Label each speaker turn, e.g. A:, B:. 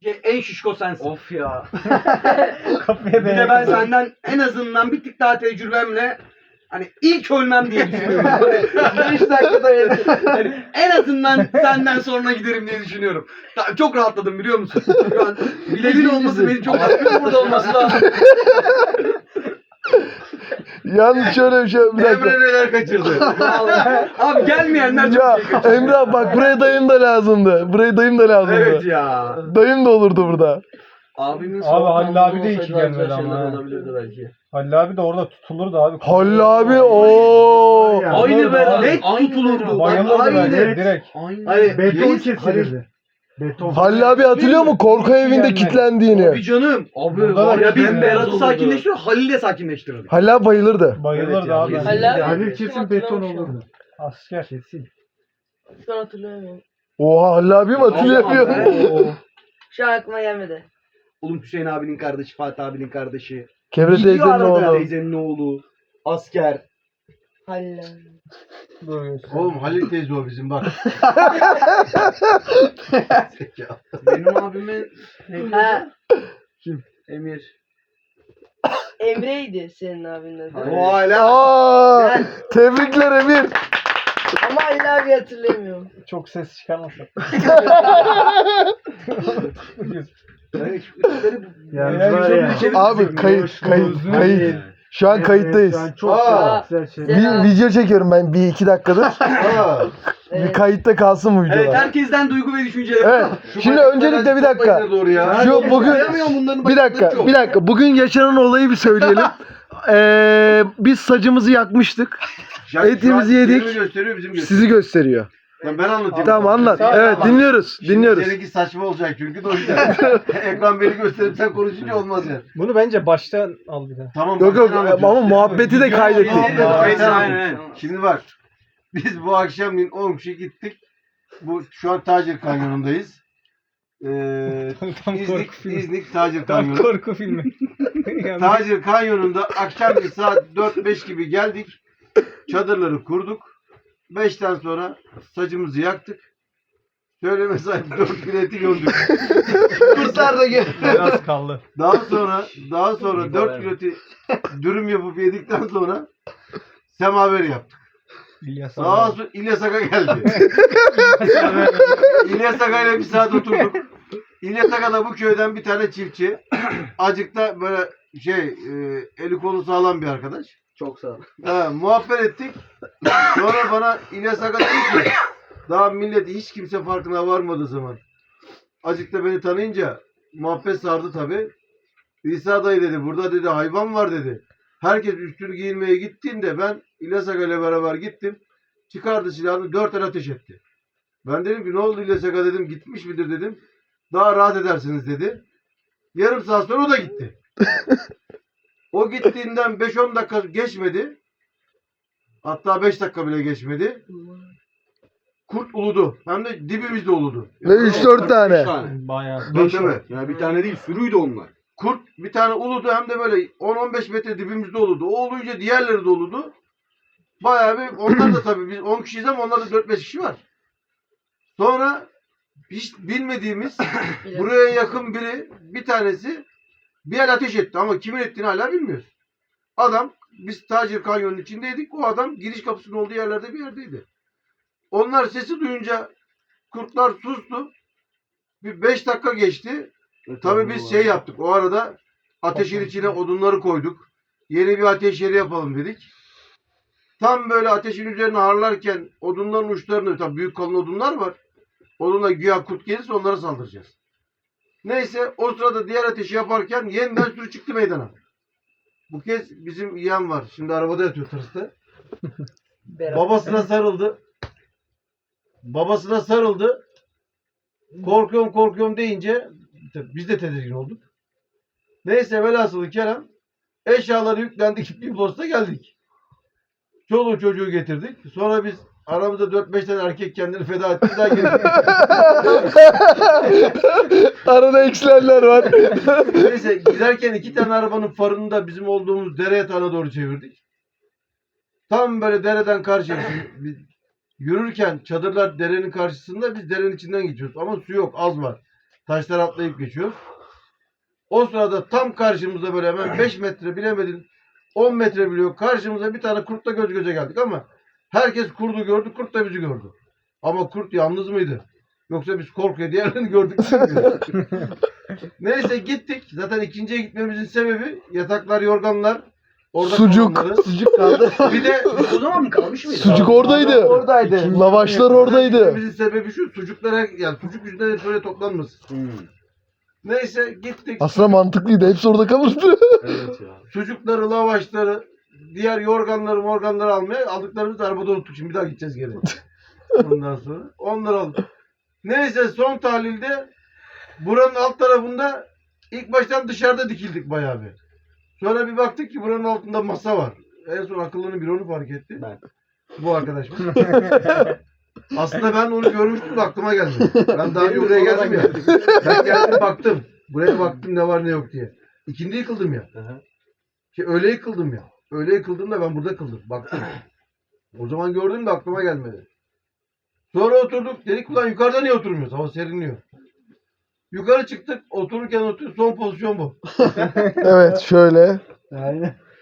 A: En şişko sensin.
B: Of ya.
A: Bir de ben senden en azından bir tık daha tecrübemle hani ilk ölmem diye düşünüyorum. 5 dakikada yani en azından senden sonra giderim diye düşünüyorum. Çok rahatladım biliyor musun? Şu an Bilal'in olması beni çok rahatladı. Burada olması lazım.
C: Yalnız şöyle bir şey, bir dakika.
A: Emre neler kaçırdı. Vallahi. Abi gelmeyenler çok
C: Ya
A: şey kaçırdı.
C: Emre abi bak buraya dayım da lazımdı. Buraya dayım da lazımdı.
A: Evet ya.
C: Dayım da olurdu burada.
A: Abimin
D: Abi
A: soğuk
D: Halil abi
A: namlusu
D: de iyi
A: olsaydı
D: ki gelmedi
A: güzel şeyler
D: ama.
A: olabilirdi belki.
D: Halil abi de orada tutulurdu abi.
C: Halil abi ooo.
A: Aynı be.
D: Abi.
A: Net tutulurdu.
D: Bayılırdı
A: Aynı.
D: bence direkt.
A: Aynı.
B: Hani beton
A: Reis,
B: kesilirdi. Beton.
C: Halil abi hatırlıyor mu korku evinde
D: gelmedi.
C: kilitlendiğini?
A: Abi canım. Abi
D: Burada da
A: var ya
D: kesin
A: biz Berat'ı
B: olurdu.
A: sakinleştiriyor. Halil'i de sakinleştirirdi.
C: Halil abi bayılırdı.
D: Bayılırdı
A: Evet ya,
D: abi.
A: kesin.
E: Halil abi-
B: Halil kesin beton olurdu.
D: Asker.
B: Kesin.
E: Şu an hatırlamıyorum.
C: Oha Halil abi mi hatırlayamıyor?
A: Oo.
E: Şu an aklıma gelmedi.
A: Oğlum Hüseyin abinin kardeşi, Fatih abinin kardeşi.
C: Kevre
A: Gidiyor
C: teyzenin
A: arada
C: oğlu.
A: Teyzenin oğlu. Asker.
E: Halil abi.
D: Dur göster.
B: Oğlum Halil teyze o bizim bak.
A: Benim abimin
E: Ha,
A: Emir.
E: Emre'ydi senin abinin adı.
A: O hala.
C: Aa, tebrikler Emir.
E: Ama Halil abi hatırlamıyorum.
D: Çok ses çıkarmasak.
B: Yani
D: Ya,
B: var
D: güzel
B: ya.
D: bir şey-
C: Abi kayıt. Şu an kayıttayız.
B: Şu an çok
E: Aa.
B: güzel şeyler.
C: Bir video çekiyorum ben 1-2 dakikadır.
B: Aa,
C: Bir kayıtta kalsın bu
A: Evet,
C: videolar.
A: herkesten duygu ve düşünceler.
C: Evet. Şimdi öncelikle bir dakika.
B: doğru ya.
C: Şu bugün bir dakika. Bugün yaşanan olayı bir söyleyelim. Biz sacımızı yakmıştık. Etimizi yedik.
B: Seni gösteriyor bizim gösteriyor.
C: Sizi gösteriyor.
B: Ya ben anlatayım.
C: Tamam anlat.
D: Tamam.
C: Evet dinliyoruz.
B: Şimdi
C: Dinliyoruz.
B: Seninki saçma olacak çünkü de o yüzden. Ekran beni gösterip sen konuşunca olmaz yani.
D: Bunu bence baştan al bir daha.
B: Tamam.
C: Yok yok
B: ben anlatıyorum.
C: ama muhabbeti de kaydettik.
A: Aynen.
B: Şimdi bak. Biz bu akşam 10 kişi gittik. Şu an Tacir Kanyonu'ndayız.
D: Tam korku filmi.
B: İznik Tacir
D: Tam
B: Kanyonu.
D: korku filmi. Yani
B: Tacir Kanyonu'nda akşam bir saat 4-5 gibi geldik. Çadırları kurduk. 5'ten sonra sacımızı yaktık. Söyleme sahip 4 bileti gördük.
A: Kurtlar da gel.
D: biraz kaldı.
B: Daha sonra 4 bileti dürüm yapıp yedikten sonra semaver yaptık.
D: İlyas
B: Sağa
D: abi.
B: sonra İlyas Aga geldi. İlyas Aga ile bir saat oturduk. İlyas Aga da bu köyden bir tane çiftçi. Acıkta böyle eli kolu sağlam bir arkadaş.
A: Çok sağ ol.
B: Muhabbet ettik. Sonra bana İlyas Aga dedi ki daha millet hiç kimse farkına varmadığı zaman. Acıkta beni tanıyınca muhabbet sardı tabi. İsa dayı dedi burada dedi hayvan var dedi. Herkes üstünü giyinmeye gittiğinde ben İlyas Aga ile beraber gittim. Çıkardı silahını 4 el ateş etti. Ben dedim ki ne oldu İlyas Aga dedim gitmiş midir dedim. Daha rahat edersiniz dedi. Yarım saat sonra o da gitti. O gittiğinden 5-10 dakika geçmedi. Hatta 5 dakika bile geçmedi. Kurt uludu. Hem de dibimizde uludu.
C: Ve 3-4 tane.
D: Bayağı.
B: Tabii.
A: Ya bir tane değil sürüydü onlar.
B: Kurt bir tane uludu hem de böyle 10-15 metre dibimizde uludu. O olunca diğerleri de uludu. Bayağı bir onlar da tabii biz 10 kişiyiz ama onlarda 4-5 kişi var. Sonra hiç bilmediğimiz buraya yakın biri bir tanesi bir el ateş etti ama kimin ettiğini hala bilmiyoruz. Adam biz Tacir Kanyonu'nun içindeydik. O adam giriş kapısının olduğu yerlerde bir yerdeydi. Onlar sesi duyunca kurtlar sustu. Bir 5 dakika geçti. Tabii biz yaptık. O arada ateşin içine odunları koyduk. Yeni bir ateş yeri yapalım dedik. Tam böyle ateşin üzerine harlarken odunların uçlarını, tabii büyük kalın odunlar var. Odunla güya kurt gelirse onlara saldıracağız. Neyse o sırada diğer ateşi yaparken yeniden sürü çıktı meydana. Bu kez bizim yeğen var. Şimdi arabada yatıyor tırsta. Babasına sarıldı. Babasına sarıldı. Korkuyorum deyince biz de tedirgin olduk. Neyse velhasılı Kerem eşyaları yüklendik bir posta geldik. Çoluğu çocuğu getirdik. Sonra biz aramızda 4-5 tane erkek kendini feda etti. Bir daha geldik.
C: Arada eksilenler var.
B: Neyse giderken 2 tane arabanın farını da bizim olduğumuz dere yatağına doğru çevirdik. Tam böyle dereden karşıya yürürken çadırlar derenin karşısında biz derenin içinden geçiyoruz. Ama su yok az var. Taşlar atlayıp geçiyoruz. O sırada tam karşımızda böyle hemen 5 metre bilemedin 10 metre biliyor. Karşımıza bir tane kurtla göz göze geldik ama herkes kurdu gördü, kurt da bizi gördü. Ama kurt yalnız mıydı? Yoksa biz korkuyor diğerlerini gördük mü bilmiyoruz. Neyse gittik. Zaten ikinciye gitmemizin sebebi yataklar, yorganlar. Orada
C: Sucuk.
B: kalanları.
C: Sucuk kaldı.
B: Bir de
A: O zaman mı kalmış mıydı?
C: Sucuk oradaydı.
E: Oradaydı.
C: Lavaşlar oradaydı.
B: gitmemizin sebebi şu. Sucuklara yani sucuk yüzünden hep böyle toplanmasın. Neyse gittik.
C: Aslında mantıklıydı. Hepsi orada kalırdı.
A: Evet ya.
B: Sucukları, lavaşları, diğer yorganları almaya aldıklarımızı arabada unuttuk. Şimdi bir daha gideceğiz geri. Ondan sonra onları aldık. Neyse son tahlilde buranın alt tarafında ilk baştan dışarıda dikildik bayağı bir. Sonra bir baktık ki buranın altında masa var. En son akıllının biri onu fark etti.
A: Ben.
B: Bu arkadaş. Aslında ben onu görmüştüm de aklıma gelmedi. Ben daha önce buraya geldim ya. Ben geldim baktım. Buraya baktım ne var ne yok diye. İkindi yıkıldım ya. Öyle yıkıldım ya. Öyle yıkıldım da ben burada kıldım. Baktım. O zaman gördüm de aklıma gelmedi. Sonra oturduk. Dedik ulan yukarıda niye oturmuyoruz? Hava serinliyor. Yukarı çıktık. Otururken son pozisyon bu.
C: Evet şöyle.
D: Aynen.